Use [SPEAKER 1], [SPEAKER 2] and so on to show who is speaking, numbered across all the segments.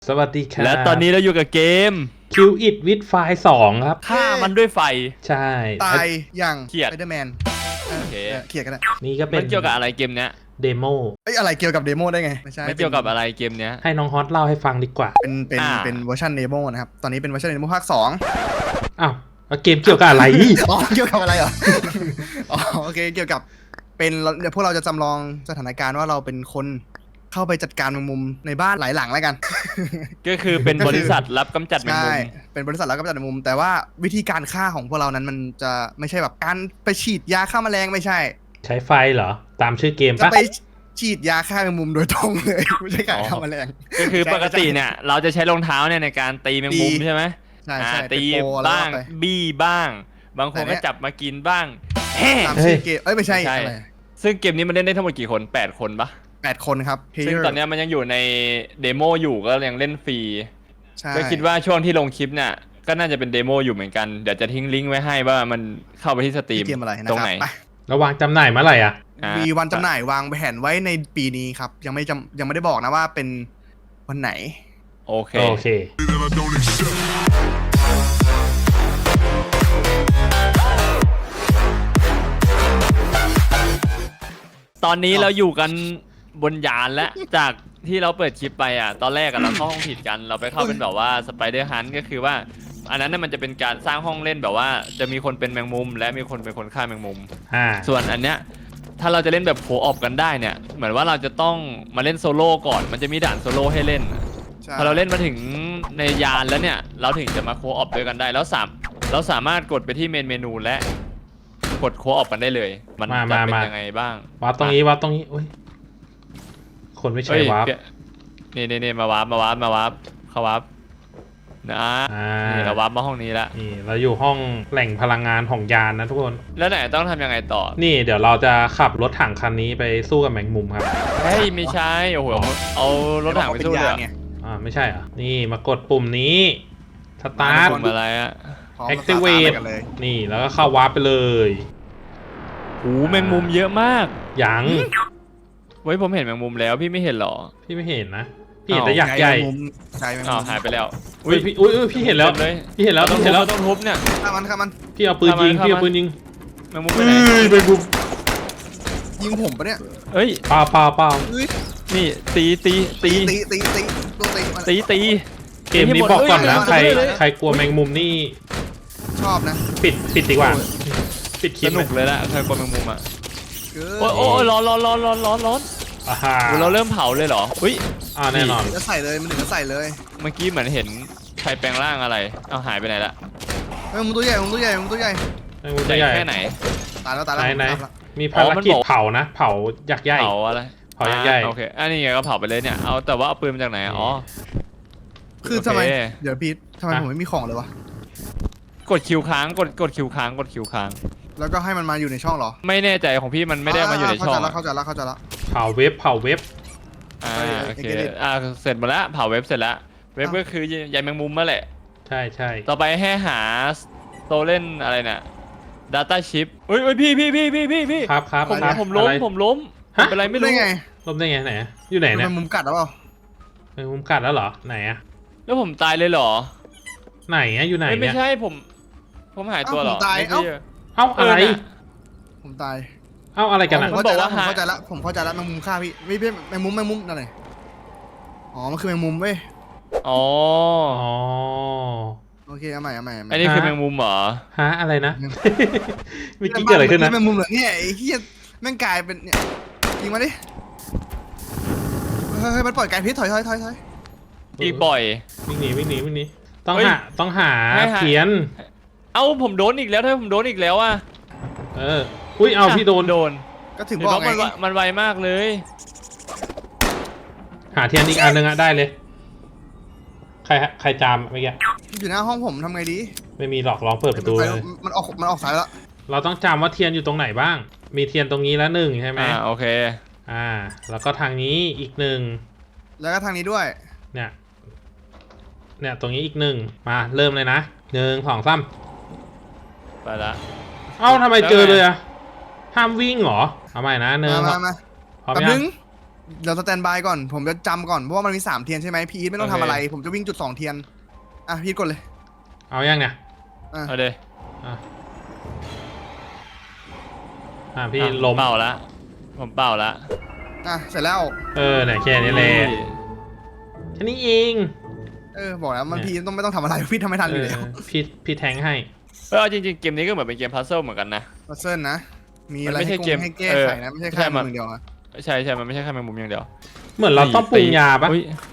[SPEAKER 1] สวัสดีครับ
[SPEAKER 2] และตอนนี้เราอยู่กับเกม
[SPEAKER 1] Kill It with Fire 2ครับ
[SPEAKER 2] ฆ่ามันด้วยไฟ
[SPEAKER 1] ใช่
[SPEAKER 3] ตายอย่าง
[SPEAKER 2] เขียด
[SPEAKER 3] สไปเดอร์แมน
[SPEAKER 2] โอเค
[SPEAKER 3] เขียดกันนะ
[SPEAKER 1] นี่ก็เป็
[SPEAKER 2] มัน นเกี่ยวกับอะไรเกมเนี้ย
[SPEAKER 1] เดโม
[SPEAKER 3] เอ้ยอะไรเกี่ยวกับเดโมได้ไงไม่ใช่
[SPEAKER 2] ไม่เกี่ยวกับอะไรเกมเนี้ย
[SPEAKER 1] ให้น้องฮอตเล่าให้ฟังดีกว่า
[SPEAKER 3] เป็นเวอร์ชันเดโมนะครับตอนนี้เป็นเวอร์ชันเดโมภาค2
[SPEAKER 1] อ้าวแล้วเกมเกี่ยวกับอะไร
[SPEAKER 3] อ๋อเกี่ยวกับอะไรเหรอ อ๋อโอเคเกี่ยวกับเป็นเดี๋ยวพวกเราจะจำลองสถานการณ์ว่าเราเป็นคนเข้าไปจัดการแมงมุมในบ้านหลายหลังแล้วกัน
[SPEAKER 2] ก็คือเป็นบริษัทรับกำจัดแมง
[SPEAKER 3] ใช่
[SPEAKER 2] มุม
[SPEAKER 3] เป็นบริษัทแล้วก็จัดแมงมุมแต่ว่าวิธีการฆ่าของพวกเรานั้นมันจะไม่ใช่แบบการไปฉีดยาฆ่าแมลงไม่ใช่
[SPEAKER 1] ใช้ไฟเหรอ ตามชื่อเกม
[SPEAKER 3] จะ
[SPEAKER 1] ปะ
[SPEAKER 3] ไปฉีดยาฆ่าแมงมุมโดยตรงเลย ไม่ใช่การฆ่าแมลง
[SPEAKER 2] ก็คือปกติเนี่ยเราจะใช้รองเท้าเนี่ยในการตีแมงมุม
[SPEAKER 3] ตี
[SPEAKER 2] ใช่ไหม
[SPEAKER 3] ใช่ใช่
[SPEAKER 2] ตี
[SPEAKER 3] เป็นโปรแล้ว
[SPEAKER 2] บ้าง
[SPEAKER 3] ไป
[SPEAKER 2] บี้บ้าง บางคน
[SPEAKER 3] แต่เนี่
[SPEAKER 2] ก็
[SPEAKER 3] ย
[SPEAKER 2] จับมากินบ้างแฮ่
[SPEAKER 3] ตามชื่อเกมไม่ใช่
[SPEAKER 2] ไม่ใช่
[SPEAKER 3] อะไร
[SPEAKER 2] ซึ่งเกมนี้มันเล่นได้ทั้งหมดกี่คน8คนปะ
[SPEAKER 3] 8 คนครับ
[SPEAKER 2] ซึ่ง
[SPEAKER 3] player
[SPEAKER 2] ตอนเนี้ยมันยังอยู่ในเดโมอยู่ก็ยังเล่นฟรี
[SPEAKER 3] ใช่
[SPEAKER 2] ก็คิดว่าช่วงที่ลงคลิปเนี่ยก็น่าจะเป็นเดโมอยู่เหมือนกันเดี๋ยวจะทิ้งลิงก์ไว้ให้ว่ามันเข้าไปที่สตรีม
[SPEAKER 3] เกมอะไรนะ
[SPEAKER 2] ตรง
[SPEAKER 3] ครับ
[SPEAKER 2] ไหน
[SPEAKER 3] ไป
[SPEAKER 1] ระวางจำหน่ายเมื่อไหร่อ่ะ
[SPEAKER 3] มีวันจำหน่ายวางแผนไว้ในปีนี้ครับ ยังไม่ได้บอกนะว่าเป็นวันไหน
[SPEAKER 2] โอเค
[SPEAKER 1] โอเค
[SPEAKER 2] ตอนนี้เราอยู่กันบนยานแล้วจากที่เราเปิดคลิปไปอ่ะตอนแรกอะเราเข้าห้องผิดกันเราไปเข้าเป็นแบบว่าสไปเดอร์ฮันต์ก็คือว่าอันนั้นน่ะมันจะเป็นการสร้างห้องเล่นแบบว่าจะมีคนเป็นแมงมุม และมีคนเป็นคนฆ่าแมงมุม ส่วนอันเนี้ยถ้าเราจะเล่นแบบโคออปกันได้เนี่ยเหมือนว่าเราจะต้องมาเล่นโซโล่ก่อนมันจะมีด่านโซโล่ให้เล่น
[SPEAKER 3] ใช่
[SPEAKER 2] พอเราเล่นมาถึงในยานแล้วเนี่ยเราถึงจะมาโคออปด้วยกันได้แล้วเราสามารถกดไปที่เมนูและกดโคออปกันได้เลยมันจะเป็นยังไงบ้าง
[SPEAKER 1] วาร์ปตรงนี้วาร์ปตรงนี้อุ้ยคนไม่ใช่วาร์ป
[SPEAKER 2] นี่มาวาร์ปเข้าวาร์ปนะนี่เราวาร์ปมาห้องนี้แล้ว
[SPEAKER 1] นี่เราอยู่ห้องแหล่งพลังงานของยานนะทุกคน
[SPEAKER 2] แล้วไหนต้องทำยังไงต่อ
[SPEAKER 1] นี่เดี๋ยวเราจะขับรถถังคันนี้ไปสู้กับแมงมุมครับ
[SPEAKER 2] เฮ้ยไม่ใช่โอ้โหเอารถถังไปสู้เลยเหรอ
[SPEAKER 3] ไง
[SPEAKER 1] ไม่ใช่เหรอ นี่มากดปุ่มนี้สตาร์ท
[SPEAKER 2] ปุ่มอะไรอะ
[SPEAKER 3] พร้อม
[SPEAKER 1] Activate
[SPEAKER 3] กันเลย
[SPEAKER 1] นี่แล้วก็เข้าวาร์ปไปเลย
[SPEAKER 2] โอ้แมงมุมเยอะมาก
[SPEAKER 1] ยัง
[SPEAKER 2] เว้ยผมเห็นแมงมุมแล้วพี่ไม่เห็นหรอ
[SPEAKER 1] พี่ไม่เห็นนะพี่เห็นแต่ยักษ์ใหญ่
[SPEAKER 3] ใช่แมง
[SPEAKER 2] อ้า
[SPEAKER 3] มุ
[SPEAKER 2] ว
[SPEAKER 3] ม
[SPEAKER 2] หายไปแล้ว
[SPEAKER 1] อุ้ยพี่อุ้ยพี่เห็นแล้ว
[SPEAKER 2] เลย
[SPEAKER 1] พี่เห็นแล้ว
[SPEAKER 2] ต้อง
[SPEAKER 1] พี่เห็นแล้ว
[SPEAKER 2] ต้องทุบเนี่ย
[SPEAKER 3] ฆ่ามัน
[SPEAKER 1] พี่เอาปืนยิง
[SPEAKER 2] เข้ามา
[SPEAKER 1] พี่เอาปืนยิง
[SPEAKER 2] แมงมุมไปไหน
[SPEAKER 1] แมงมุม
[SPEAKER 3] ยิงผมปะเนี่ย
[SPEAKER 2] เฮ้ย
[SPEAKER 1] เปล่า
[SPEAKER 3] เฮ้ย
[SPEAKER 2] นี่ตี
[SPEAKER 3] ตีตัวตี
[SPEAKER 2] ตี
[SPEAKER 1] เกมนี้บอกก่อนนะ
[SPEAKER 2] เฮ้ย
[SPEAKER 1] ใครกลัวแมงมุมนี่
[SPEAKER 3] ชอบนะ
[SPEAKER 1] ปิดดีกว่า ปิดคลิ
[SPEAKER 2] ส
[SPEAKER 1] ป
[SPEAKER 2] นุกเลยละใครกลัวแมงมุมอ่ะ
[SPEAKER 3] เกิ
[SPEAKER 2] โอ้ยร้อน
[SPEAKER 1] อ่าฮะ
[SPEAKER 2] เราเริ่มเผาเลยเหรออุ้ย
[SPEAKER 1] แน่นอน
[SPEAKER 3] จะใส่เลยมันถึงจะใส่เลย
[SPEAKER 2] เมื่อกี้เหมือนเห็นใครแปลงร่างอะไรเอาหายไปไหนละ
[SPEAKER 3] แมงมุมตัวใหญ่แมงมุมตัวใหญ่แมงมุมตัวใหญ่
[SPEAKER 1] แมงมุมตัวใหญ่
[SPEAKER 2] แค่ไหน
[SPEAKER 3] ตายแล้ว
[SPEAKER 1] ไหนมีภารกิจเผานะ เผายักษ์ใหญ่
[SPEAKER 2] เผาอะไร
[SPEAKER 1] เผายักษ์ใหญ่
[SPEAKER 2] โอเคอันนี้ไงก็เผาไปเลยเนี่ยเอาแต่ว่าเอาปืนมาจากไหนอ๋อ
[SPEAKER 3] คือทำไม
[SPEAKER 2] โอเค
[SPEAKER 3] เดี๋ยวพีททำไมผมไม่มีของเลยวะ
[SPEAKER 2] กดคิวค้างกดคิวค้างกดคิวค้าง
[SPEAKER 3] แล้วก็ให้มันมาอยู่ในช่องเหรอ
[SPEAKER 2] ไม่แน่ใจของพี่มันไม่ได้มาอยู่ในช่อง
[SPEAKER 3] เข้าใจแล้ว
[SPEAKER 1] เผาเว็บ
[SPEAKER 2] โอเคเสร็จหมดแล้วเผาเว็บเสร็จแล้วเว็บก็คือใยแมงมุมนั่นแหละ
[SPEAKER 1] ใช่
[SPEAKER 2] ต่อไปให้หาโตเล่นอะไรเนี่ย Data Chip เฮ้ยพี่
[SPEAKER 1] ครับ
[SPEAKER 2] ผมล้ม
[SPEAKER 1] อะไร
[SPEAKER 2] เป็นไรไม่รู้
[SPEAKER 3] ได้ไง
[SPEAKER 1] ลมได้ไงไหนอยู่ไหนเนี่ย
[SPEAKER 3] มันมุมกัดหรือเปล่า
[SPEAKER 1] แมงมุมกัดแล้วเหรอไหนอะ
[SPEAKER 2] แล้วผมตายเลยเหรอ
[SPEAKER 1] ไหนอะอยู่ไหน
[SPEAKER 2] ไม่
[SPEAKER 1] เนี่ย
[SPEAKER 2] ใช่ผมหายตัวเหรอ
[SPEAKER 3] ผมตาย
[SPEAKER 2] ไม่ใช่
[SPEAKER 1] เอ้าอะไร
[SPEAKER 3] ผมตาย
[SPEAKER 1] เอ้าอะไรกันอะ
[SPEAKER 3] ผมเข้าใจแล้วแมงมุมฆ่าพี่ไม่แมงมุมนั่นไงอ๋อมันคือแมงมุมเว้ย
[SPEAKER 2] อ๋อ
[SPEAKER 1] อ๋อ
[SPEAKER 3] โอเคเอาใหม่
[SPEAKER 2] อันนี้คือแมงมุมเหรอ
[SPEAKER 1] ฮะอะไรนะ เมื่อกี้เกิดอะไรขึ้นนะ
[SPEAKER 3] แมงมุมเหรอเนี่ยไอ้เหี้ยแม่งกลายเป็นเนี่ยยิงมาดิเฮ้ยมันปล่อยไก่พิษถอย
[SPEAKER 2] อีกบ่อย
[SPEAKER 1] วิ่งหนีต้อง
[SPEAKER 2] เฮ้ย
[SPEAKER 1] หา
[SPEAKER 2] ให้หา
[SPEAKER 1] เพี้ยน
[SPEAKER 2] เอ้าผมโดนอีกแล้วถ้าผมโดนอีกแล้วอ่ะ
[SPEAKER 1] อุ้ยเอาพี่โดน
[SPEAKER 3] ก็ถึง
[SPEAKER 2] เห็น
[SPEAKER 3] บอก
[SPEAKER 2] ว่า
[SPEAKER 3] ไง
[SPEAKER 2] มันไวมากเลย
[SPEAKER 1] หาเทียนอีกอันหนึ่งอะได้เลย ใครจามเมื่อกี้
[SPEAKER 3] อยู่หน้าห้องผมทำไงดี
[SPEAKER 1] ไม่มีหรอกลองเปิดประตูเลย
[SPEAKER 3] มันออกสายแล้ว
[SPEAKER 1] เราต้องจำว่าเทียนอยู่ตรงไหนบ้าง มีเทียนตรงนี้แล้วหนึ่งใช่ไหม
[SPEAKER 2] โอเค
[SPEAKER 1] แล้วก็ทางนี้อีกหนึ่ง
[SPEAKER 3] แล้วก็ทางนี้ด้วย
[SPEAKER 1] เนี่ยตรงนี้อีกหนึ่งมาเริ่มเลยนะ1 2 3
[SPEAKER 2] ไปละ
[SPEAKER 1] เอ้าทำไมเจอเลยอะห้ามวิ่งเหรอเอาใหม่นะ
[SPEAKER 3] มา
[SPEAKER 1] พร้อม
[SPEAKER 3] แป๊บ
[SPEAKER 1] ยั
[SPEAKER 3] นึ
[SPEAKER 1] ง
[SPEAKER 3] งเดี๋ยวสแตนบายก่อนผมจะจำก่อนเพราะว่ามันมี3เทียนใช่ไหมพี่อีทไม่ต้องทำอะไร ผมจะวิ่งจุด2เทียนอ่ะพี่อีทกดเลย
[SPEAKER 1] เอายังเนี่ย
[SPEAKER 2] เอาเลย
[SPEAKER 1] อ่ะพี่ล้ม
[SPEAKER 2] เป่าละผมเป่าละ
[SPEAKER 3] อ่ะเสร็จแล้ว
[SPEAKER 1] เนี่ยแค่นี้เลยแค่นี้เอง
[SPEAKER 3] บอกแล้วมันพี่ต้องไม่ต้องทำอะไรพี่ทำไม่ทันอยู่แล้ว
[SPEAKER 1] พี่แทงให้
[SPEAKER 2] เอาจริงๆเกมนี้ก็เหมือนเป็นเกมพัซเซิลเหมือนกันนะ
[SPEAKER 3] พัซเซิลนะมีอะไร
[SPEAKER 2] มันไม่ใช่
[SPEAKER 3] ให้
[SPEAKER 2] เกม
[SPEAKER 3] ให้แก้ไขนะไม่ใช่แค่มือเดียวนะ
[SPEAKER 2] ใช่มันไม่ใช่แค่แมงมุมอย่างเดียว
[SPEAKER 1] เหมือนเราต้องปรุงยาปะ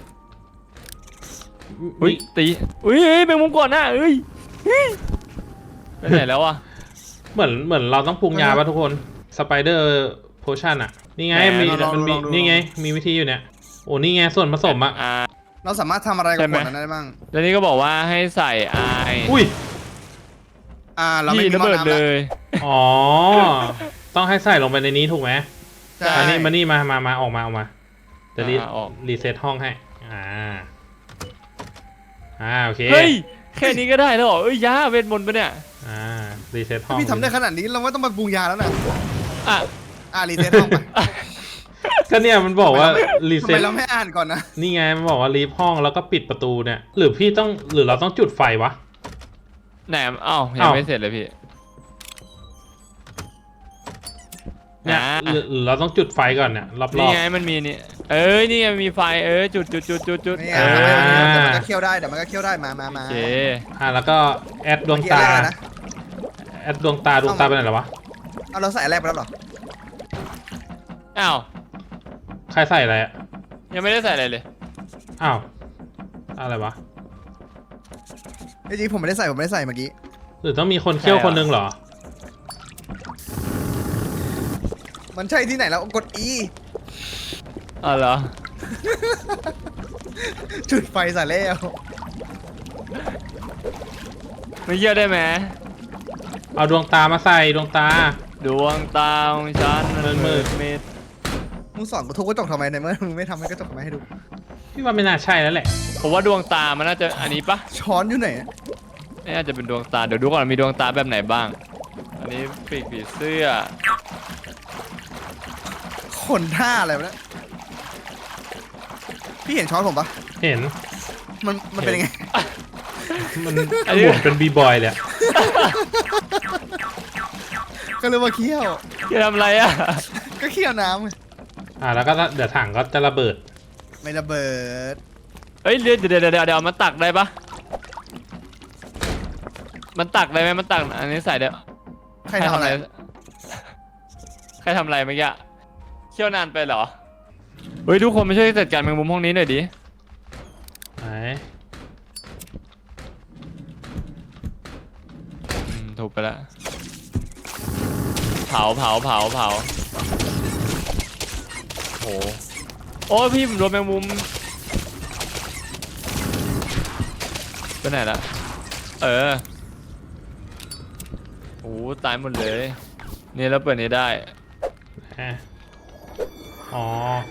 [SPEAKER 2] อุ้ยตีอุ้ยแมงมุมก่อนนะเอ้ยไปไหนแล้วอ่ะ
[SPEAKER 1] เหมือนเราต้องปรุงยาปะทุกคนสไปเดอร์โพชั่นอ่ะนี่ไงมันมีนี่ไงมีวิธีอยู่เนี่ยโอ้นี่ไงส่วนผสมอ่ะ
[SPEAKER 3] เราสามารถทำอะไรกับขวดนั้นได้บ้าง
[SPEAKER 2] แล้วนี่ก็บอกว่าให้ใส่ไอ
[SPEAKER 1] อุ้ย
[SPEAKER 3] เราไม่มี
[SPEAKER 2] ระ
[SPEAKER 3] หม้อ
[SPEAKER 2] เบิด
[SPEAKER 3] น้ำ
[SPEAKER 2] เล
[SPEAKER 3] แล้ว
[SPEAKER 2] ย
[SPEAKER 1] อ๋อต้องให้ใส่ลงไปในนี้ถูกไหม
[SPEAKER 3] ใช่
[SPEAKER 1] มานี่มาออกมาจะรีเซ็ตห้องให้โอเค
[SPEAKER 2] เฮ้ยแค่นี้ก็ได้แล้วเหรอเอ้ยยาเวทมนต์ปะเนี่ย
[SPEAKER 1] รีเซ็ตห้อง
[SPEAKER 3] พี่ทำได้ขนาดนี้เราไม่ต้องมาปรุงยาแล้วนะ
[SPEAKER 2] อ่ะ
[SPEAKER 3] รีเซ็ตห้องไป
[SPEAKER 1] ก็เนี่ยมันบอกว่ารี
[SPEAKER 3] ทำ
[SPEAKER 1] เซ็
[SPEAKER 3] ไม
[SPEAKER 1] ต
[SPEAKER 3] เราไม่อ่านก่อนนะ
[SPEAKER 1] นี่ไงมันบอกว่ารีบห้องแล้วก็ปิดประตูเนี่ยหรือเราต้องจุดไฟวะ
[SPEAKER 2] แหนมยังไม่เสร็จเลยพี่
[SPEAKER 1] เนี่ยหรือเราต้องจุดไฟก่อนเนี่ยรอบๆ
[SPEAKER 2] นี่ไงมันมีนี่นี่ไงมีไฟจุด
[SPEAKER 3] นี่ไงเดี๋ยวมันก็เคี่ยวได้เดี๋ยวมันก็เคี่ยวได้มา
[SPEAKER 2] โอเค
[SPEAKER 1] แล้วก็แอดดวงตาแอดดวงตาไปไหนแล้ววะ
[SPEAKER 3] เอาเราใส่แรกไปแล้วหรอ
[SPEAKER 2] อ้าว
[SPEAKER 1] ใครใส่อะไรอ่ะ
[SPEAKER 2] ยังไม่ได้ใส่อะไรเลย
[SPEAKER 1] อ้าวอะไรวะ
[SPEAKER 3] จริงๆผมไม่ได้ใส่เมื่อกี้
[SPEAKER 1] หรือต้องมีคนเคี่ยวคนนึงเหรอ
[SPEAKER 3] มันใช่ที่ไหนแล้วกด E
[SPEAKER 2] อ๋อเหรอ
[SPEAKER 3] จุดไฟใส่แล้ว
[SPEAKER 2] ไม่เยี่ยได้ไหม
[SPEAKER 1] เอาดวงตามาใส่ดวงตา
[SPEAKER 2] ดวงตาของฉันมันมืดมิด
[SPEAKER 3] มึงสอนกูทุบกระจกทำไมในเมื่อมึงไม่ทำให้กระจกมาให้ดู
[SPEAKER 1] พี่ว่าไม่น่าใช่แล้วแหละ
[SPEAKER 2] ผมว่าดวงตามันน่าจะอันนี้ปะ
[SPEAKER 3] ช้อนอยู่ไหน
[SPEAKER 2] นี่น่าจะเป็นดวงตาเดี๋ยวดูก่อนมีดวงตาแบบไหนบ้าง อันนี้ปีกผีเสื้อ
[SPEAKER 3] ขนท่าอะไรวะเนี่ยพี่เห็นช้อนผมปะ
[SPEAKER 1] เห็น
[SPEAKER 3] มันเป็นยังไง
[SPEAKER 1] มันหมุนเป็นบีบอยเลยอะ
[SPEAKER 3] ก็เลยว่าเคี่ยว
[SPEAKER 2] จะทำอะไรอ่ะ
[SPEAKER 3] ก็เคี่ยวน้ำไง
[SPEAKER 1] แล้วก็เดี๋ยวถังก็จะระเบิด
[SPEAKER 3] ไม่ระเบิด
[SPEAKER 2] เฮ้ยเดี๋ยวมันตักได้ปะมันตักได้ไหมมันตักอันนี้ใส่เดี๋ยว
[SPEAKER 3] ใครทำอะไร
[SPEAKER 2] ใครทำอะไรเมื่อกี้เคี่ยวนานไปเหรอเฮ้ยทุกคนมาช่วยจัดการแมงมุมห้องนี้หน่อยดิ
[SPEAKER 1] ไหน
[SPEAKER 2] ถูกไปแล้วเผาโอ้โอ้พี่ผมโดนแมงมุมไปไหนละโอ้ตายหมดเลยนี่แล้วเปิดนี้ได้
[SPEAKER 1] อ๋อ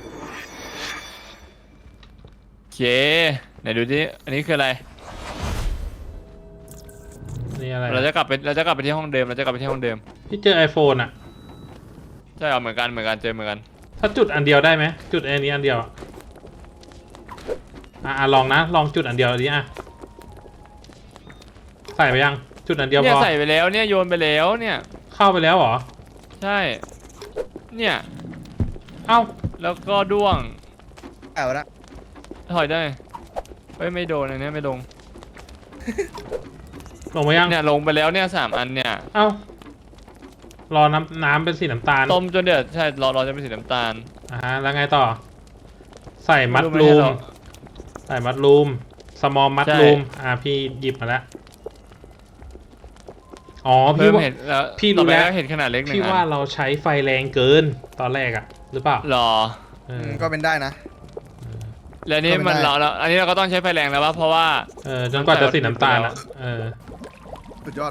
[SPEAKER 2] โอเคไหนดูดิอันนี้คืออะไร
[SPEAKER 1] นี่อะไร
[SPEAKER 2] เราจะกลับไปที่ห้องเดิม
[SPEAKER 1] พี่เจอ iPhone อ่ะ
[SPEAKER 2] ใช่เหมือนกันเจอเหมือนกัน
[SPEAKER 1] ถ้าจุดอันเดียวได้ไหมจุดอันนี้อันเดียวลองนะลองจุดอันเดียวดิใส่ไปยังจุดอันเดียว
[SPEAKER 2] เนี่
[SPEAKER 1] พ
[SPEAKER 2] ย
[SPEAKER 1] อ
[SPEAKER 2] ใส่ไปแล้วเนี่ยโยนไปแล้วเนี่ย
[SPEAKER 1] เข้าไปแล้วเหรอ
[SPEAKER 2] ใช่เนี่ย
[SPEAKER 1] เอ้า
[SPEAKER 2] แล้วก็ด้วง
[SPEAKER 3] เอาละ
[SPEAKER 2] ถอยได้เฮ้ยไม่โดนอันนี้ไม่ลง
[SPEAKER 1] ลงไปยัง
[SPEAKER 2] เนี่ยลงไปแล้วเนี่ย3 อันเนี่ย
[SPEAKER 1] เอ้ารอน้ำเป็นสีน้ำตาล
[SPEAKER 2] ต้มจนเดือดใช่รอจะเป็นสีน้ำตาล
[SPEAKER 1] แล้วไงต่อ ใส่มัดรูมใส่มัดรูมสมอลมัดรูมพี่หยิบมาแล้วอ๋อพี่ว่า
[SPEAKER 2] เห็นแล้ว
[SPEAKER 1] พี่รู้แล้ว
[SPEAKER 2] เห็นขนาดเล็กหนึ่ง
[SPEAKER 1] พี่ว่า
[SPEAKER 2] อัน
[SPEAKER 1] เราใช้ไฟแรงเกินตอนแรกอะหรือเปล่า
[SPEAKER 2] หรอ
[SPEAKER 3] ก็เป็นได้นะ
[SPEAKER 2] แล้วนี่มันเราอันนี้เราก็ต้องใช้ไฟแรงแล้วเพราะว่า
[SPEAKER 1] จนกว่าจะสีน้ำตาลอะ
[SPEAKER 3] สุดยอด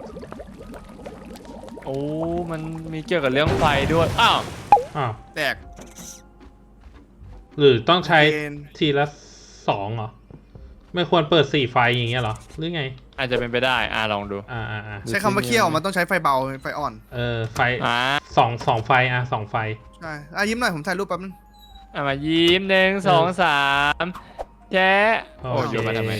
[SPEAKER 2] โอ้มันมีเกี่ยวกับเรื่องไฟด้วยอ้าว
[SPEAKER 3] แตก
[SPEAKER 1] หรือต้องใช้
[SPEAKER 3] เกณฑ์
[SPEAKER 1] ทีละ2เหรอไม่ควรเปิด4ไฟอย่างเงี้ยเหรอหรือไง
[SPEAKER 2] อาจจะเป็นไปได้ลองดู
[SPEAKER 3] ใช้คำว่าเคี่ยวมันต้องใช้ไฟเบาไฟอ่อน
[SPEAKER 1] ไฟสองไฟ2ไฟ
[SPEAKER 3] ใช่ยิ้มหน่อยผมถ่ายรูปแป๊บนึง
[SPEAKER 2] มายิ้ม1 2 3แชะโอ้ยโยนมาทำไม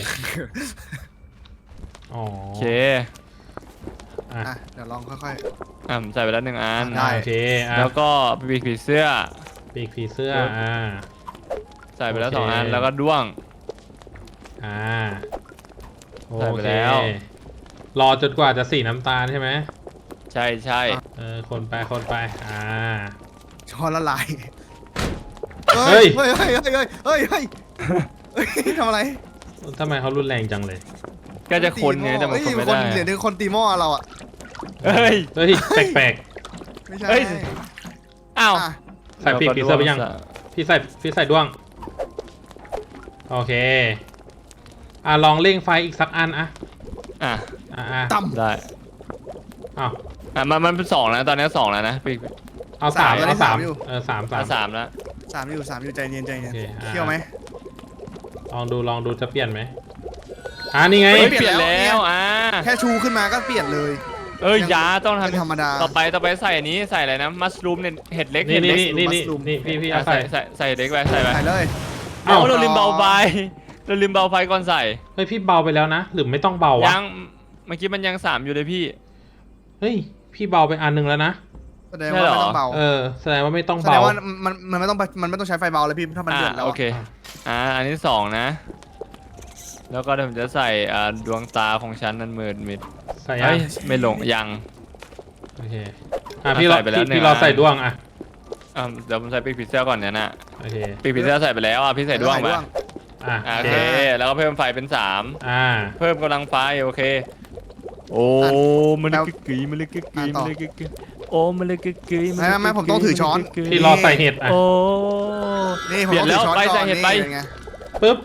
[SPEAKER 1] อ๋อ
[SPEAKER 2] โอเค
[SPEAKER 1] อ่ะ
[SPEAKER 3] อ่ะเดี๋ยวลองค่อย
[SPEAKER 2] ใส่ไปแล้ว1 อัน
[SPEAKER 3] ได้
[SPEAKER 1] โอเคอ่ะ
[SPEAKER 2] แล้วก็ปีกผีเสื้อ
[SPEAKER 1] ปีกผีเสื้อ
[SPEAKER 2] ปึ๊บ ใส่ไปแล้ว
[SPEAKER 1] โอเค
[SPEAKER 2] 2 อันแล้วก็ด้วง
[SPEAKER 1] อ่าโอ
[SPEAKER 2] ใส่ไป
[SPEAKER 1] เค
[SPEAKER 2] แล้ว
[SPEAKER 1] รอจนกว่าจะสีน้ำตาลใช่ไหม
[SPEAKER 2] ใช่ใช่
[SPEAKER 1] คนไปคนไป
[SPEAKER 3] ๆช้อนละลาย
[SPEAKER 1] เฮ้
[SPEAKER 3] เฮ้
[SPEAKER 1] ย
[SPEAKER 3] ยเฮ้ยเฮ้ยเฮ้ยเฮ้ยเฮ้ยเฮ้ยทำอะไร
[SPEAKER 1] ทำไมเขารุนแรงจังเลย
[SPEAKER 2] ก็จะคนไงแต่มันคนไม่
[SPEAKER 3] คน
[SPEAKER 2] ได้
[SPEAKER 3] เหลือคนตีหม้อเราอ่ะ
[SPEAKER 2] เฮ้ย
[SPEAKER 1] เฮ้ยแปลก
[SPEAKER 3] ไม่ใช่
[SPEAKER 2] เฮ้ย อ้าว
[SPEAKER 3] อ่ะ
[SPEAKER 1] ๆใส่ปีกผีเสื้อไปยังพี่ใส่ด้วงโอเคลองเร่งไฟอีกสักอัน
[SPEAKER 2] อ่ะ
[SPEAKER 3] ต่ำ
[SPEAKER 2] ได้
[SPEAKER 1] อ้าว
[SPEAKER 2] มันเป็น2แล้วตอนนี้2แล้วนะปีก
[SPEAKER 1] เอาสาม
[SPEAKER 3] ตอนนี้
[SPEAKER 1] เอาสาม
[SPEAKER 3] อยู่
[SPEAKER 1] สาม
[SPEAKER 2] 3แล้ว
[SPEAKER 3] 3 อยู่ใจเย็นใจเย็น
[SPEAKER 1] โอเค
[SPEAKER 3] เที่ยวไหม
[SPEAKER 1] ลองดูจะเปลี่ยนไหมนี่ไง
[SPEAKER 2] เฮ้ย
[SPEAKER 3] เป
[SPEAKER 2] เป
[SPEAKER 3] ลี่
[SPEAKER 2] ลี่
[SPEAKER 3] ย
[SPEAKER 2] ย
[SPEAKER 3] น
[SPEAKER 2] น
[SPEAKER 3] แล้
[SPEAKER 2] แล้ว ว
[SPEAKER 3] แค่ชูขึ้นมาก็เปลี่ยนเลย
[SPEAKER 2] ยาต้อง
[SPEAKER 3] เป็น
[SPEAKER 2] ทำ
[SPEAKER 3] ธรรมดา
[SPEAKER 2] ต่อไปใส่อันนี้ใส่อะไรนะมัสรูมเนี่ยเห็ดเล็ก
[SPEAKER 1] นี่
[SPEAKER 2] เห็ดเล็ก
[SPEAKER 1] นี่
[SPEAKER 3] mushroom
[SPEAKER 1] พี่เอา
[SPEAKER 2] ใส่
[SPEAKER 1] ใส่
[SPEAKER 2] ใส่เล็กไปใส่ไป
[SPEAKER 3] ใส่เลย
[SPEAKER 1] เอ้า
[SPEAKER 2] เราลืมเบาไฟเราลืมเบาไฟก่อนใส่
[SPEAKER 1] เฮ้ยพี่เบาไปแล้วนะหรือไม่ต้องเบาวะ
[SPEAKER 2] ยังเมื่อกี้มันยัง3อยู่เลยพี่
[SPEAKER 1] เฮ้ยพี่เบาไปอันหนึงแล้วนะ
[SPEAKER 3] แสดงว่าไม่ต้องเบา
[SPEAKER 1] แสดงว่าไม่ต้อง
[SPEAKER 3] แสด
[SPEAKER 1] เบาง
[SPEAKER 3] ว่ามันไม่ต้องใช้ไฟเบาเลยพี่ถ้ามันเดือดแล้ว
[SPEAKER 2] โอเคอันที่2นะแล้วก็เดี๋ยวผมจะใส่ดวงตาของฉันนั้นมืดมิด
[SPEAKER 1] ใส่
[SPEAKER 2] เฮ้
[SPEAKER 1] ยัง
[SPEAKER 2] ยไม่ลงยัง
[SPEAKER 1] โอเคพี่รอ
[SPEAKER 2] ใส่ไปแล้ว
[SPEAKER 1] พี่
[SPEAKER 2] 1
[SPEAKER 1] รอ
[SPEAKER 2] อัน
[SPEAKER 1] ใส่ด้วง
[SPEAKER 2] เดี๋ยวผมใส่ปีกผีเสื้อก่อนเนี่ยนะ
[SPEAKER 1] โอเค
[SPEAKER 2] ปีกผีเสื้อใส่ไปแล้วพี่ใส่ด้วงไป
[SPEAKER 1] โอ
[SPEAKER 2] โอ
[SPEAKER 1] เค
[SPEAKER 2] เคแล้วก็เพิ่มไฟเป็น3เพิ่มกำลังไฟโอเคโอ้มันเลยกึกกึ๋ยมันเลยกึกกึ๋ยมันเลยกึกกึ๋ยโอ้มันเลยกึกกึ๋ย
[SPEAKER 3] ไม่ผมต้องถือช้อน
[SPEAKER 1] พี่รอใส่เห็ด
[SPEAKER 2] โอ้
[SPEAKER 3] นี่ผม
[SPEAKER 2] เปลี่ยน
[SPEAKER 3] ต้องถือช้อน
[SPEAKER 2] แล้วไป
[SPEAKER 3] ก่
[SPEAKER 2] ใส่
[SPEAKER 3] อน
[SPEAKER 2] เห็ด
[SPEAKER 3] นี่
[SPEAKER 2] ไป
[SPEAKER 3] เป็นไง
[SPEAKER 1] ปึ๊บ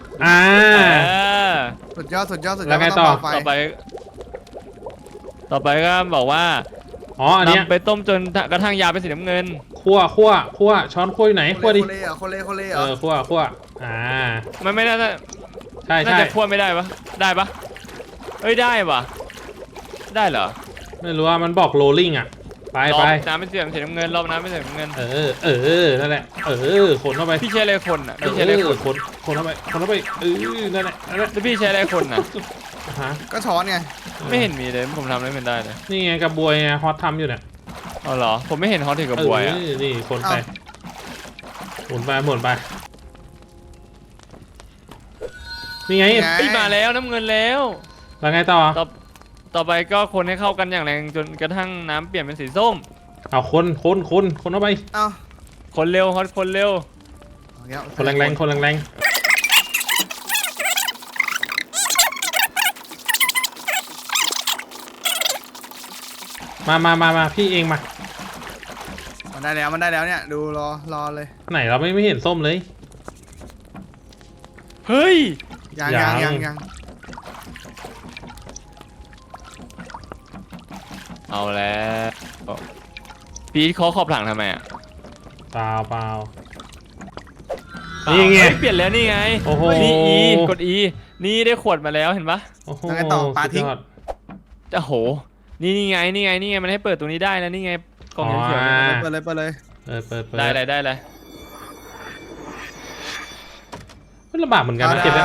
[SPEAKER 3] สุดยอด
[SPEAKER 1] แล้วไง
[SPEAKER 3] ม่
[SPEAKER 1] ต่อ
[SPEAKER 3] เบาไฟ
[SPEAKER 2] ต่อไปก็บอกว่า
[SPEAKER 1] อันเนี้ย
[SPEAKER 2] นำไปต้มจนกระทั่งยาเป็นสีน้ำเงิน
[SPEAKER 1] คั่วช้อนคั่วอยู่ไหนคั่วดิ
[SPEAKER 3] โคเล่เหรอโคเล่เหรอ
[SPEAKER 1] คั่ว
[SPEAKER 2] มันไม่น่าจะ
[SPEAKER 1] ใช่
[SPEAKER 2] น่าจะคั่วไม่ได้ปะได้ปะเอ้ยได้ปะได้เหรอ
[SPEAKER 1] ไม่รู้ว่ามันบอกโรลลิ่งไป
[SPEAKER 2] รอบน้ำเป็นสีน้ำเงินรอบน้ำเป็นสีน้ำเงิน
[SPEAKER 1] นั่นแหละคนเข้าไป
[SPEAKER 2] พี่ใช้อะไรคนอ่ะพี่ใช้อะไรคน
[SPEAKER 1] คนเข้าไปนั่นแหละ
[SPEAKER 2] แล้วพี่ใช้อะไรคนอ่ะ
[SPEAKER 1] ฮะ
[SPEAKER 3] ก็ช้อนไง
[SPEAKER 2] ไม่เห็นมีเลยผมทำอะไรไม่ได้เลย
[SPEAKER 1] นี่ไงกระบวยฮอตทำอยู่เนี่ย
[SPEAKER 2] อ๋อเหรอผมไม่เห็นฮอตถึงกับบวยอ่ะ
[SPEAKER 1] นี่คนไปหมุนไปนี่ไง
[SPEAKER 2] เฮ้ยมาแล้วน้ำเงินแล้ว
[SPEAKER 1] แล้วไงต่อ
[SPEAKER 2] ต่อไปก็คนให้เข้ากันอย่างแรงจนกระทั่งน้ำเปลี่ยนเป็นสีส้ม
[SPEAKER 1] เอาคนเข้าไป
[SPEAKER 3] เอ้า
[SPEAKER 2] คนเร็วฮอตคนเร็ว
[SPEAKER 1] คนแรงมาพี่เองมา
[SPEAKER 3] มันได้แล้วเนี่ยดูรอเลย
[SPEAKER 1] ไหนเราไม่เห็นส้มเลย
[SPEAKER 2] เฮ้ย
[SPEAKER 3] ยัง
[SPEAKER 2] เอาแล้วพีทเขาขอบหลังทำไมอ่ะ
[SPEAKER 1] เปล่านี่ไง
[SPEAKER 2] เฮ้ยเปลี่ยนแล้วนี่ไง
[SPEAKER 1] โอ้โห
[SPEAKER 2] นี่ E กด E นี่ได้ขวดมาแล้วเห็นปะ
[SPEAKER 1] โอ้โห
[SPEAKER 3] ยังไงต่อปลาทิ้ง
[SPEAKER 1] สุดยอด
[SPEAKER 2] โอ้โหนี่ไงมันให้เปิดตรงนี้ได้นะนี่ไงกล่องเขียวๆเนี่ย
[SPEAKER 3] เปิดเลย
[SPEAKER 1] เปิด
[SPEAKER 2] ได้เลย
[SPEAKER 1] มันลำบากเหมือนกันนะเก็บแล้ว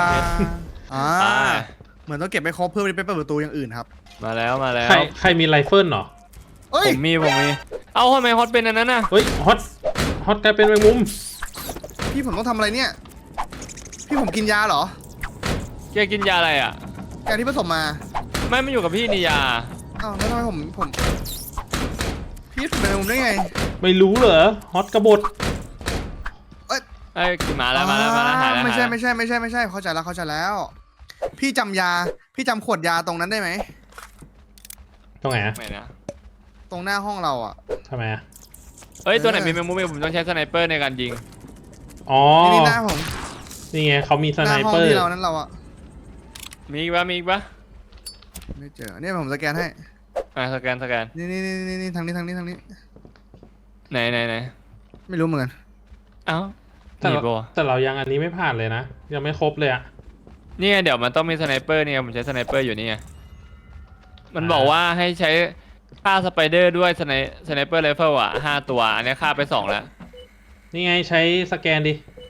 [SPEAKER 3] เหมือนต้องเก็บไปครบเพื่อไปเปิดประตูอย่างอื่นครับ
[SPEAKER 2] มาแล้ว
[SPEAKER 1] ใครมีไรเฟิลเหรอ
[SPEAKER 3] เอ้ย
[SPEAKER 2] ผมมีเอาทำไมฮอตเป็นอันนั้นน่ะ
[SPEAKER 1] เฮ้ยฮอตกลายเป็นแมงมุม
[SPEAKER 3] พี่ผมต้องทำอะไรเนี่ยพี่ผมกินยาเหรอ
[SPEAKER 2] แกกินยาอะไรอ่ะ
[SPEAKER 3] ยาที่ผสมมา
[SPEAKER 2] ไม่อยู่กับพี่นี่ยา
[SPEAKER 3] อ้าวแล้วทำไมผมพี่เป็นมุมได้ไง
[SPEAKER 1] ไม่รู้เหรอฮอตกบฏ
[SPEAKER 2] ไอ้กินมาแล้วหายแล้ว
[SPEAKER 3] ไม่ใช่เข้าใจแล้ว พี่จำขวดยาตรงนั้นได้ไหม
[SPEAKER 1] ตรงไหนอะ
[SPEAKER 2] ไม่นะ
[SPEAKER 3] ตรงหน้าห้องเราอ่ะ
[SPEAKER 1] ทำไมอะ
[SPEAKER 2] เอ้ยตัวไหนมีแมงมุมผมต้องใช้สไนเปอร์ในการยิง
[SPEAKER 1] อ๋อ
[SPEAKER 3] นี่หน้าผม
[SPEAKER 1] นี่ไงเขามีส
[SPEAKER 3] ห
[SPEAKER 1] ไน
[SPEAKER 3] น้าห้อง
[SPEAKER 1] เปอร์
[SPEAKER 3] ที่เรานั้นเราอ่ะ
[SPEAKER 2] มีอีกปะ
[SPEAKER 3] ไม่เจอเนี่ยผมสแกนให้
[SPEAKER 2] สแกน
[SPEAKER 3] นี่ทางนี้
[SPEAKER 2] ไหน
[SPEAKER 3] ไม่รู้เหมือนกัน
[SPEAKER 2] เอ้า
[SPEAKER 1] แต่เรายังอันนี้ไม่ผ่านเลยนะยังไม่ครบเลยอะ
[SPEAKER 2] นี่ไงเดี๋ยวมันต้องมีสไนเปอร์เนี่ยผมใช้สไนเปอร์อยู่นี่ไงมันบอกว่าให้ใช้ฆ่าสไปเดอร์ด้วยสไนเปอร์ไรเฟิลอ่ะ5 ตัวอันนี้ฆ่าไป2แล้ว
[SPEAKER 1] นี่ไงใช้สแกนดิ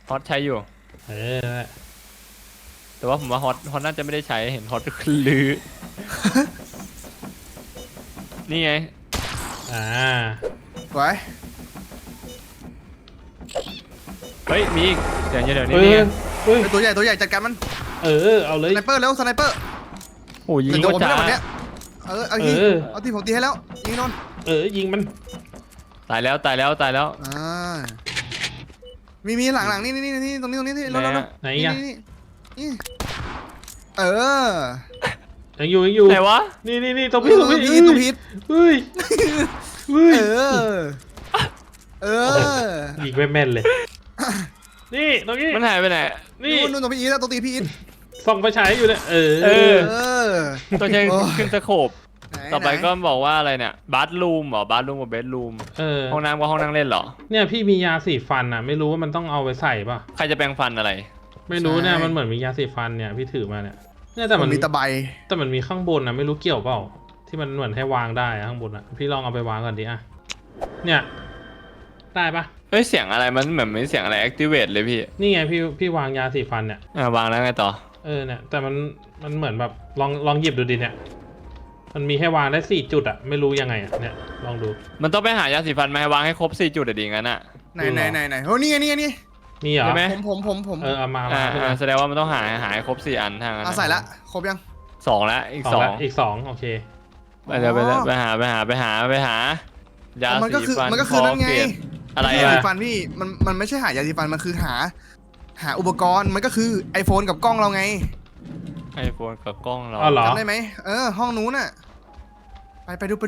[SPEAKER 2] ฮอตใช้อยู่
[SPEAKER 1] เออ
[SPEAKER 2] แต่ว่าผมว่าฮอตน่าจะไม่ได้ใช้เห็นฮอตลื้อ นี่ไง
[SPEAKER 1] อ่า
[SPEAKER 3] ไว้
[SPEAKER 2] เฮ้ยมีอีกเดี๋ยว
[SPEAKER 1] เอ
[SPEAKER 2] นี่
[SPEAKER 1] อ
[SPEAKER 2] ไง
[SPEAKER 1] เฮ้ย
[SPEAKER 3] ไอ้ตัวใหญ่ตัวใหญ่จัดการมัน
[SPEAKER 1] เออเอาเลย
[SPEAKER 3] สไนเปอร์เร็วสไนเปอร์
[SPEAKER 2] โอ้ยิง
[SPEAKER 3] แต่โด
[SPEAKER 2] ก็
[SPEAKER 3] นไม่
[SPEAKER 2] จ้า
[SPEAKER 3] ได้หมดเนี้ยเอาที
[SPEAKER 1] เออ
[SPEAKER 3] เอาทีผมตีให้แล้วยิงโดน
[SPEAKER 1] ยิงมัน
[SPEAKER 2] ตายแล้ว
[SPEAKER 3] อ่ามีหลังนี่ตรงนี้เรา
[SPEAKER 1] ไหนอ่ะ
[SPEAKER 3] นี่เออ
[SPEAKER 1] ยังอยู่
[SPEAKER 2] ไหนวะ
[SPEAKER 1] นี่ตรงพี่
[SPEAKER 3] ตัวพีท
[SPEAKER 1] เฮ้ย
[SPEAKER 3] เออ เออ
[SPEAKER 1] ยิงไม่แม่นเลย นี่ตรงนี้
[SPEAKER 2] มันหายไปไหน
[SPEAKER 1] นี่
[SPEAKER 3] นู่นตรงพี่อีทตัวตีพี่อีท
[SPEAKER 1] ส่องไฟฉายอยู่เนี่ยเอ
[SPEAKER 2] เออ
[SPEAKER 3] อ
[SPEAKER 2] ตัวใช้
[SPEAKER 3] โอ้ย
[SPEAKER 2] ขึ้นสโคปต่อไปก็บอกว่าอะไรเนี่ยบาร์รูมเหรอบาร์รูมกับเบดรูม ห้องน้ำกับห้องนั่งเล่นเหรอ
[SPEAKER 1] เนี่ยพี่มียาสีฟันอ่ะ ไม่รู้ว่ามันต้องเอาไปใส่ป่ะ
[SPEAKER 2] ใครจะแปรงฟันอะไร
[SPEAKER 1] ไม่รู้เนี่ยมันเหมือนมียาสีฟันเนี่ยพี่ถือมาเนี่ยแต่
[SPEAKER 3] มั
[SPEAKER 1] มัน น
[SPEAKER 3] มีตะไบ
[SPEAKER 1] แต่มันมีข้างบนนะไม่รู้เกี่ยวเปล่าที่มันเหมือนให้วางได้อะข้างบนอะพี่ลองเอาไปวางก่อนดิอะเนี่ยได้ปะ
[SPEAKER 2] เอ้ยเสียงอะไรมันเหมือนมีเสียงอะไร activate เลยพี่
[SPEAKER 1] นี่ไงพี่วางยาสีฟันเนี่ยว
[SPEAKER 2] างแล้วไงต่อ
[SPEAKER 1] เนี่ยแต่มันเหมือนแบบลองหยิบดูดิเนี่ยมันมีให้วางได้4 จุดอะไม่รู้ยังไงอะเนี่ยลองดู
[SPEAKER 2] มันต้องไปหายาสีฟันมาให้วางให้ครบ4 จุดอะดีงั้นอะ
[SPEAKER 3] ไหนโอ้นี่ไง
[SPEAKER 1] มีเหรอ
[SPEAKER 2] ใช่ไหม
[SPEAKER 3] ผม
[SPEAKER 1] เอามาขึ้นมา
[SPEAKER 2] แสดงว่ามันต้องหายครบ4 อันทางนั้น
[SPEAKER 3] เอาใส่ละครบยัง
[SPEAKER 2] 2แล้วอีก
[SPEAKER 1] สอง
[SPEAKER 2] 2
[SPEAKER 1] ละอีก2โอเค
[SPEAKER 2] เดี๋ยวไปหายา
[SPEAKER 3] มันก็
[SPEAKER 2] สี
[SPEAKER 3] คือ
[SPEAKER 2] ฟัน
[SPEAKER 3] มันก็คือนั่นไง
[SPEAKER 2] เกรดอะไร
[SPEAKER 3] ยา
[SPEAKER 2] อะ
[SPEAKER 3] สีฟันพี่มันไม่ใช่หายาสีฟันมันคือหาอุปกรณ์มันก็คือ iPhone กับกล้องเราไง
[SPEAKER 2] ไอโฟนกับกล้องเรา
[SPEAKER 1] อ๋อเหรอ
[SPEAKER 3] จำได้ไหมห้องนู้นน่ะไปดู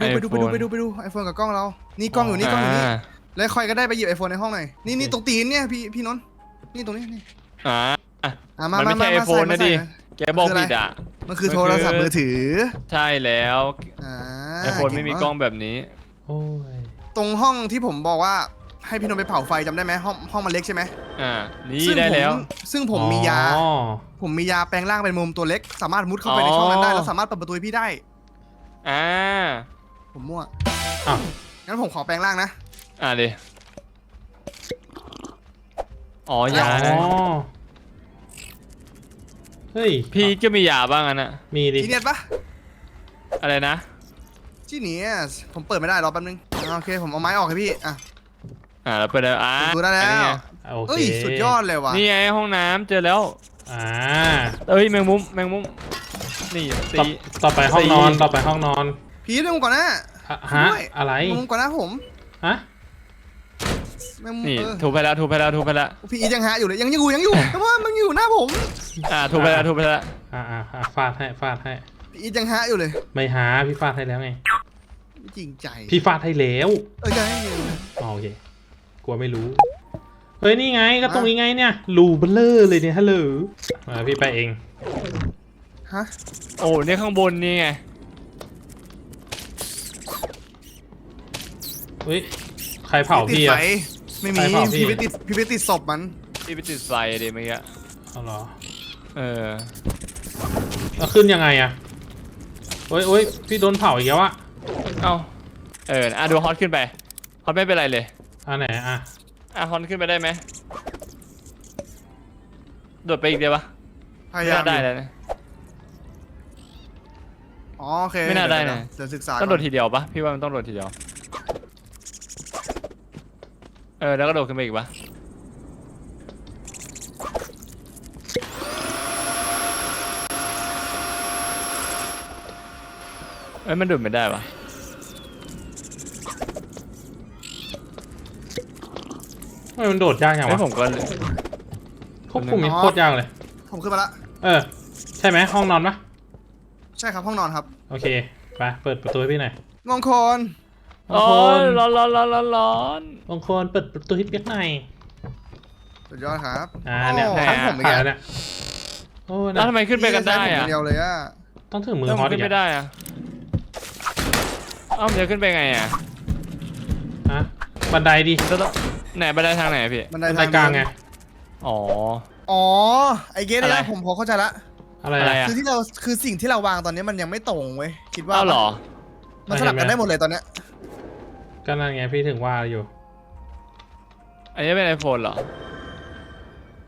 [SPEAKER 3] iPhone กับกล้องเรานี่กล้องอยู่นี่แล้วคอยก็ได้ไปหยิบ iPhone ในห้องหน่อยนี่ตรงตีนเนี่ยพี่นนท์นี่ตรงนี้นี่
[SPEAKER 2] มันไม่ใช่ไอโฟนนะดิแกบอกผิดอ่ะ
[SPEAKER 3] มันคือโทรศัพท์มือถือ
[SPEAKER 2] ใช่แล้ว
[SPEAKER 3] อ่า
[SPEAKER 2] ไอโฟนไม่มีกล้องแบบนี้
[SPEAKER 1] โอ้ย
[SPEAKER 3] ตรงห้องที่ผมบอกว่าให้พี่นนท์ไปเผาไฟจำได้ไหมห้องมันเล็กใช่ไหม
[SPEAKER 2] นี่ได้แล้ว
[SPEAKER 3] ซึ่งผมมียา
[SPEAKER 1] อ๋อ
[SPEAKER 3] ผมมียาแปลงร่างเป็นมุมตัวเล็ก สามารถมุดเข้าไปในช่องนั้นได้แล้วสามารถเปิดประตูให้พี่ได้ ผมมั่ว
[SPEAKER 1] อ้าว
[SPEAKER 3] งั้นผมขอแปลงร่างนะ
[SPEAKER 2] ดิอ๋อยา
[SPEAKER 1] อ๋อเฮ้ย
[SPEAKER 2] พี่ก็มียาบ้างอ่ะนะ
[SPEAKER 1] มีดิ
[SPEAKER 3] จีเนียสปะ
[SPEAKER 2] อะไรนะ
[SPEAKER 3] จีเนียสผมเปิดไม่ได้รอแป๊บนึงโอเคผมเอาไม้ออกให้พี่
[SPEAKER 2] แล้วเปิดแล้ว
[SPEAKER 3] ผมดูได้แล้ว
[SPEAKER 2] อันนี้ไง
[SPEAKER 1] โอเค
[SPEAKER 3] เอ้ยสุดยอดเลยว่ะ
[SPEAKER 2] นี่ไงห้องน้ำเจอแล้ว
[SPEAKER 1] อ่า
[SPEAKER 2] เอ้ยแมงมุมนี่ตี
[SPEAKER 1] ต่อไปห้องนอนต่อไปห้องนอน
[SPEAKER 3] พี่เรื่องก่อนนะ
[SPEAKER 1] ฮะอะไร
[SPEAKER 3] มุมก่อนนะผม
[SPEAKER 1] ฮะ
[SPEAKER 3] แมงมุม
[SPEAKER 2] นี่ถูกไปแล้ว
[SPEAKER 3] พี่อียังหาอยู่เลยยังอยู่แต่ว่ามันอยู่หน้าผม
[SPEAKER 2] ถูกไปแล้ว
[SPEAKER 1] ฟาดให้
[SPEAKER 3] พี่อียังหาอยู่เลย
[SPEAKER 1] ไม่หาพี่ฟาดให้แล้วไง
[SPEAKER 3] ไม่จริงใจ
[SPEAKER 1] พี่ฟาดให้แล้ว
[SPEAKER 3] จะให้อยู่
[SPEAKER 1] โอเคกลัวไม่รู้เฮ้ยนี่ไงก็ตรงนี้ไงเนี่ยรูเบลเลอร์เลยเนี่ยฮัลโหลพี่ไปเอง
[SPEAKER 3] ฮะ
[SPEAKER 2] โอ้เนี่ยข้างบนนี่ไง
[SPEAKER 1] เฮ้ยใครเผาพี่
[SPEAKER 3] ติดไฟ
[SPEAKER 1] อะ
[SPEAKER 3] ไม่มี
[SPEAKER 1] ใครเผาพี่
[SPEAKER 3] พี่ไปติดศพมัน
[SPEAKER 2] ที่ไปติดไฟเดี๋ยวเมื่อกี้
[SPEAKER 1] เอาเหรอ
[SPEAKER 2] เ
[SPEAKER 1] แล้วขึ้นยังไงอะโอ้ยพี่โดนเผาอีกแล้วอะ
[SPEAKER 2] ดูฮอตขึ้นไปฮอตไม่เป็นไรเลย
[SPEAKER 1] อันไหนอะ
[SPEAKER 2] ฮอตขึ้นไปได้ไหมโดดไปอีกเดียวปะ
[SPEAKER 3] พยา
[SPEAKER 2] ไม่
[SPEAKER 3] ยาม
[SPEAKER 2] น่าได้เลยนะ
[SPEAKER 3] อ๋อโอเค
[SPEAKER 2] ไม่น่าได้นะ
[SPEAKER 3] เดี๋ยวศึกษา
[SPEAKER 2] ต้องโดดทีเดียวปะพี่ว่ามันต้องโดดทีเดียวแล้วก็โดดขึ้นไปอีกปะมันโดดไม่ได้ปะ
[SPEAKER 1] ทำไมมันโดดยากอย่างวะ
[SPEAKER 2] ผมก็
[SPEAKER 1] ควบคุมนี่โคตรยากเลย
[SPEAKER 3] ผมขึ้นมาละ
[SPEAKER 1] ใช่ไหมห้องนอนปะ
[SPEAKER 3] ใช่ครับห้องนอนครับ
[SPEAKER 1] โอเคไปเปิดประตูให้พี่หน่อย
[SPEAKER 3] มงคล
[SPEAKER 1] มงคล
[SPEAKER 2] ร้อน
[SPEAKER 1] มงคลเปิดประตูให้เปียกหน่อย
[SPEAKER 3] สุดยอดครับ
[SPEAKER 1] เนี่ย
[SPEAKER 3] โอ้ทั้งผมอีก
[SPEAKER 1] ผ่าน
[SPEAKER 3] แล้ว
[SPEAKER 1] แล้วเนี่ยโอ้
[SPEAKER 2] แล้วทำไมขึ้นไปกันได้
[SPEAKER 3] ผม
[SPEAKER 2] อะ
[SPEAKER 3] เดียวเลยอะ
[SPEAKER 1] ต้องถึงมือ
[SPEAKER 2] แล้ว
[SPEAKER 1] ฮอ
[SPEAKER 2] มั
[SPEAKER 1] ต
[SPEAKER 2] น
[SPEAKER 1] อี
[SPEAKER 2] ขึ้
[SPEAKER 1] ก
[SPEAKER 2] นไม่ได้อะมันจะขึ้นไปไงอะ
[SPEAKER 1] ฮะบันไดดิ
[SPEAKER 2] แล้วต้องไหนบันไดทางไหนพี่
[SPEAKER 3] บันได
[SPEAKER 1] บันไดกลางไง
[SPEAKER 2] อ๋อ
[SPEAKER 3] ไอเกส
[SPEAKER 2] อะไร
[SPEAKER 3] เนี่ยผมพอเข้าใจละ
[SPEAKER 1] อะไร
[SPEAKER 2] อะไร
[SPEAKER 1] อะ
[SPEAKER 2] อะ
[SPEAKER 3] คือสิ่งที่เราวางตอนนี้มันยังไม่ตรงเว้ยคิดว่า
[SPEAKER 2] อ้าวเหรอ
[SPEAKER 3] มันสลับกันได้หมดเลยตอนเนี้ย
[SPEAKER 1] ก็นั่นไงพี่ถึงว่าอยู่
[SPEAKER 2] อันนี้เป็นไอโฟนเหรอ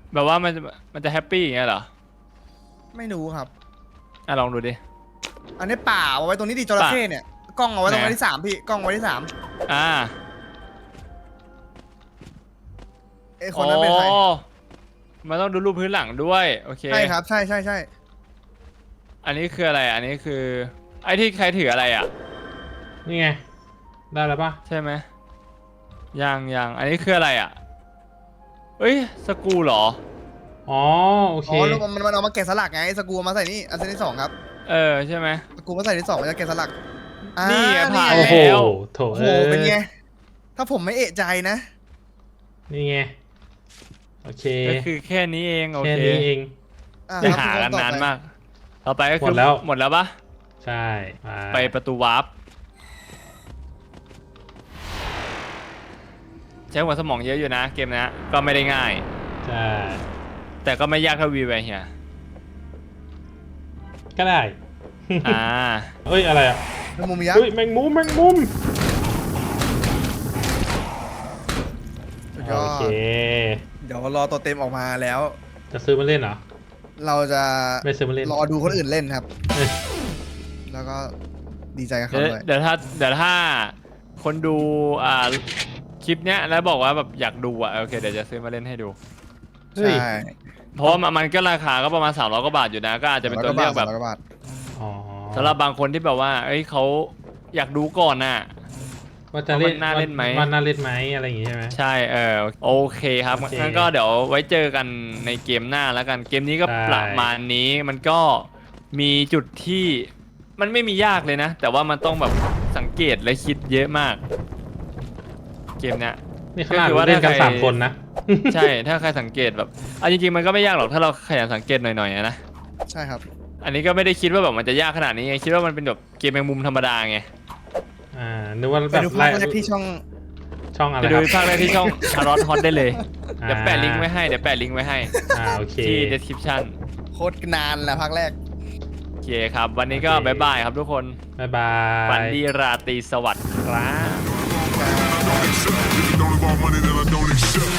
[SPEAKER 2] แบบว่ามันจะแฮปปี้อย่างเงี้ยเหรอ
[SPEAKER 3] ไม่รู้ครับ
[SPEAKER 2] อ่ะลองดูดิ
[SPEAKER 3] อันนี้ป่าเอาไว้ตรงนี้ดิจระเข้เนี่ยกล้องเอาไว้ตรงวันที่3พี่กล้องไว้ที่3
[SPEAKER 2] อ่า
[SPEAKER 3] ไอ้คนนั้นเป็นใคร
[SPEAKER 2] โอ้มันต้องดูรูปพื้นหลังด้วยโอเค
[SPEAKER 3] ใช่ครับใช่ใช่ใช่
[SPEAKER 2] อันนี้คืออะไรอันนี้คือไอ้ที่ใครถืออะไรอ่ะ
[SPEAKER 1] นี่ไง ได้แล้วปะ
[SPEAKER 2] ใช่ไหมยังอันนี้คืออะไรอ่ะเอ้ยสกรูเหรอ
[SPEAKER 1] อ๋อโอเค
[SPEAKER 3] อ๋อแล้วมันเอามาแกะสลักไงสกรูเอามาใส่นี่อันที่2ครับ
[SPEAKER 2] ใช่ไหม
[SPEAKER 3] สกรูมาใส่ที่2มันจะแกะสลัก
[SPEAKER 2] นี่ไงผ่าน
[SPEAKER 1] โอ้โห
[SPEAKER 2] แล้ว
[SPEAKER 1] โถ
[SPEAKER 3] โอ้โหเป็นไงถ้าผมไม่เอะใจนะ
[SPEAKER 1] นี่ไง โอเค
[SPEAKER 2] ก็คือแค่นี้เองโอ
[SPEAKER 1] แค่
[SPEAKER 2] เค
[SPEAKER 1] นี้เอง
[SPEAKER 2] ไปหากันนานมาก ต่อไปก็คือ
[SPEAKER 1] หมดแล้ว
[SPEAKER 2] หมดแล้วปะ
[SPEAKER 1] ใช่
[SPEAKER 2] ไปประตูวาร์ปใช้หัวสมองเยอะอยู่นะเกมนะก็ไม่ได้ง่าย
[SPEAKER 1] ใช่
[SPEAKER 2] แต่ก็ไม่ยากเท่าวีไวเฮีย
[SPEAKER 1] ก็ได้
[SPEAKER 2] อ่า
[SPEAKER 1] เอ้ย อะไรอ่ะ
[SPEAKER 3] แมงมุมยัก
[SPEAKER 1] เฮ้ย
[SPEAKER 3] ษ์
[SPEAKER 1] แมงมุม แมงมุม
[SPEAKER 3] สุดยอ
[SPEAKER 1] โอ
[SPEAKER 3] ด
[SPEAKER 1] เค
[SPEAKER 3] เดี๋ยวรอตัวเต็มออกมาแล้ว
[SPEAKER 1] จะซื้อมาเล่นเหรอ
[SPEAKER 3] เราจะ
[SPEAKER 1] ไม่ซื้อมาเล่น
[SPEAKER 3] รอดูคนอื่นเล่นครับ
[SPEAKER 1] เอ้ย
[SPEAKER 3] แล้วก็ดีใจกับเขาด้วย
[SPEAKER 2] เดี๋ยวถ้าคนดูคลิปเนี้ยแล้วบอกว่าแบบอยากดูโอเคเดี๋ยวจะซื้อมาเล่นให้ดู
[SPEAKER 1] เฮ้ย
[SPEAKER 3] ใช่
[SPEAKER 2] เพราะว่ามันก็ราคาก็ประมาณ300 กว่าบาทอยู่นะ ก็อาจจะเป็นตัวเลือกแบบ
[SPEAKER 3] 300 กว่าบาท
[SPEAKER 1] อ๋อ
[SPEAKER 2] สำหรับบางคนที่แบบว่าเอ้ยเขาอยากดูก่อนน่ะ
[SPEAKER 1] ว่าจะเล่น
[SPEAKER 2] ว่ามันน่าเล่นไหม
[SPEAKER 1] ว่าน่าเล่นไหมอะไรอย่างงี้ใช่ไหม
[SPEAKER 2] ใช่โอเคครับ
[SPEAKER 1] โอเค
[SPEAKER 2] งั้นก็เดี๋ยวไว้เจอกันในเกมหน้าแล้วกันเกมนี้ก็
[SPEAKER 1] ใช่
[SPEAKER 2] ประมาณนี้มันก็มีจุดที่มันไม่มียากเลยนะ แต่ว่ามันต้องแบบสังเกตและคิดเยอะมาก เกมเนี้ย
[SPEAKER 1] นี่ขนาด
[SPEAKER 2] ก็คือว่า
[SPEAKER 1] เล่นกัน
[SPEAKER 2] ถ้าใคร
[SPEAKER 1] 3 คนนะ
[SPEAKER 2] ใช่ถ้าใครสังเกตแบบจริงๆมันก็ไม่ยากหรอกถ้าเราขยันสังเกตหน่อยๆนะ
[SPEAKER 3] ใช่ครับ
[SPEAKER 2] อันนี้ก็ไม่ได้คิดว่าแบบมันจะยากขนาดนี้ไงคิดว่ามันเป็นแบบเกมแมงมุมธรรมดาไง
[SPEAKER 1] นึกว่า
[SPEAKER 3] ไป
[SPEAKER 1] แบบ
[SPEAKER 3] ดูภาคแรกที่ช่อง
[SPEAKER 1] ช่องอะไร
[SPEAKER 2] ไป
[SPEAKER 1] ค
[SPEAKER 2] ดู
[SPEAKER 1] รับ
[SPEAKER 2] ภาคแรกที่ช่องคารอทฮอตได้เลย
[SPEAKER 1] อ่า
[SPEAKER 2] เดี๋ยวแปะลิงก์ไว้ให้เดี๋ยวแปะลิงก์ไว้ให้
[SPEAKER 1] โอเค
[SPEAKER 3] Dạ.
[SPEAKER 2] ที่ description
[SPEAKER 3] โคตรนานแหละภาคแรก
[SPEAKER 2] โอเคครับ วันนี้ก็
[SPEAKER 1] โอเค
[SPEAKER 2] บ๊ายบายครับทุกคน
[SPEAKER 1] บ๊ายบาย
[SPEAKER 2] ฝันดีราตรีสวัสดิ์ครับ
[SPEAKER 4] If you don't involve money, then I don't accept.